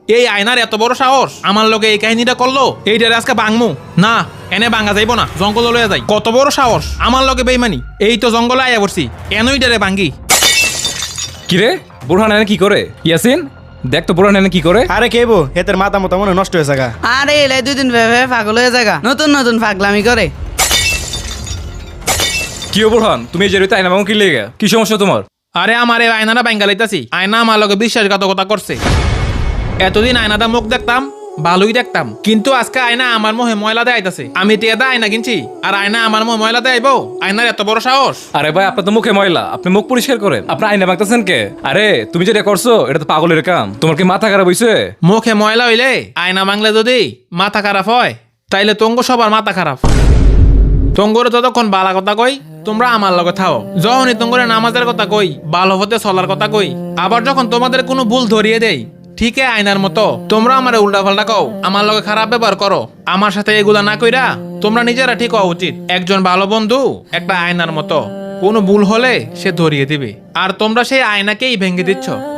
এই আয়নার এত বড় সাহস আমার লোকে এই কাহিনীটা করলো, এইটারে আজকে বাংমু না, এনে বাঙ্গা যাইব না, জঙ্গল লয়ে যাই। কত বড় সাহস আমার লোকে বেইমানি, এই তো জঙ্গলে আয়া পড়ছি, এনইটারে বাঙ্গি। কিরে বুরহান এনে কি করে? ইয়াসিন দেখ তো বুরহান এনে কি করে। আরে কেবো হেতের মাথা মতো মনে হয় নষ্ট হয়েছে গা। আরে এলাই 2 দিন ভেবে পাগল হয়ে জায়গা, নতুন নতুন পাগলামি করে। কি ও বুরহান, তুমি এই জেরিতে আয়না ভাঙো কি লেগে? কি সমস্যা তোমার? আরে আমার এই আয়নাটা বাঙ্গা লাইতাছি, আয়না আমার লোকে বিশ্বাসঘাতকতা করছে। এতদিন আয়নাটা মুখ দেখতাম, ভালোই দেখতাম, কিন্তু আজকে আয়না আমার মোহে ময়লা দেয় আইতাছে। আমি টিয়াদা আয়না কিনছি আর আয়না আমার মোহে ময়লা দেয় আইবো? আয়নার এত বড় সাহস। আরে ভাই আপনার তো মুখে ময়লা, আপনি মুখ পরিষ্কার করেন, আপনি আয়না ভাঙতেছেন কে? আরে তুমি যেটা করছো এটা তো পাগলের কাম, তোমার কি মাথা খারাপ হইছে? মুখে ময়লা হইলে আয়না ভাঙলে যদি মাথা খারাপ হয়, তাইলে তঙ্গ সবার মাথা খারাপ। তঙ্গরে ততক্ষণ বালা কথা কই, তোমরা আমার লগে থাও। যখনই তঙ্গরে নামাজের কথা কই, ভালো হতে চলার কথা কই, আবার যখন তোমাদের কোনো ভুল ধরিয়ে দেই, ঠিক আয়নার মতো তোমরা আমার উল্টা পাল্টা কও, আমার লগে খারাপ ব্যবহার করো। আমার সাথে এগুলা না কইরা তোমরা নিজেরা ঠিক হওয়া উচিত। একজন ভালো বন্ধু একটা আয়নার মতো, কোনো ভুল হলে সে ধরিয়ে দিবে, আর তোমরা সেই আয়নাকেই ভেঙে দিচ্ছ।